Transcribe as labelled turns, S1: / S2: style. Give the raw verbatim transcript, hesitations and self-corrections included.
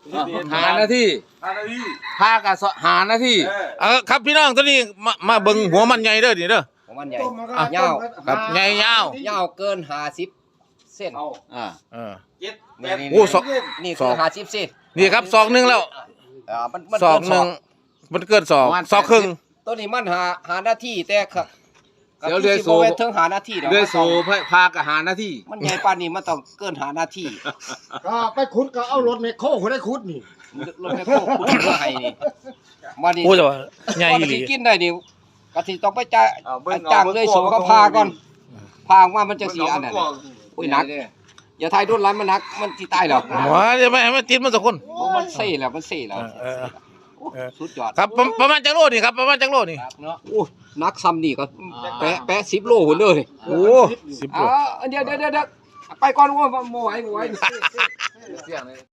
S1: หานาที
S2: ห้านาที
S1: พากับหานาที
S2: เออ
S1: เออครับพี่น้องตัวนี้มามาเบิ่งหัวมันใหญ่เด้อนี่เด้อ
S3: ของมันใหญ่
S1: อ่ะ
S3: ยาว
S1: ครับใหญ่ยาว
S3: ยาวเกินห้าสิบเส้น
S2: เอา
S1: อ่าเออ
S2: เจ็ดแป
S3: นี่
S2: ด
S3: นี่
S1: โอ้สอง
S3: นี่
S1: ส
S3: คือ อง ห้าสิบเส้น
S1: นี่ครับซองหนึงแล้ว
S3: อ่ามันมัน
S1: ซอง
S3: เกิน
S1: หนึงมันเกินสองซองครึ่ง
S3: ตัวนี้มันหาหาหน้าที่แต่ครับ
S1: เดี๋ยวเรือโซ่
S3: ก็คือสิบ่แม่นถึงหาหน้าที่ดอก
S1: เรื่อยโซ่
S3: มันต้อง
S1: พากับหานาที
S3: มันใหญ่ปานนี้มันต้องเกินหาหน้าที่
S4: ก็ไปขุดก็เอารถแมคโครคนได้ขุดนี่
S3: รถแมคโครขุดมาให้นี่มานี่
S1: โอ้แต่ว่าใหญ่
S3: ก่อน
S1: อีหลี
S3: สิกินได้นี่ก็สิต้องไปจ่าย
S2: เอาเบิ่ง
S3: จ้างเลยโสก็พาก่อนพาออกมามันจะ
S2: เบิ่ง
S3: สิ
S2: เอา
S3: อันนั้น
S2: เบิ่ง
S3: อุ้ยหนักอย่าทายดุนหลายมันหนักมันสิตายแล้ว
S1: หัวจะไม่ให้มันติดมันสักคน
S3: โอ้มันเซ่แล้วมันเซ่แล้ว
S1: เออเออ
S3: สุดยอด
S1: ครับประประมาณจักโลนี่ครับประมาณจักโลนี่
S3: เนาะโอ้นักซ้ำนี่ก็แปะแปะสิบโลหุ่นเลย
S1: โอ้สิบโล
S3: อ่าเดี๋ยวเดี๋ยวเดี๋ยวไปก่อนว่าบ่ไหวบ่ไหว
S1: เสียงเลย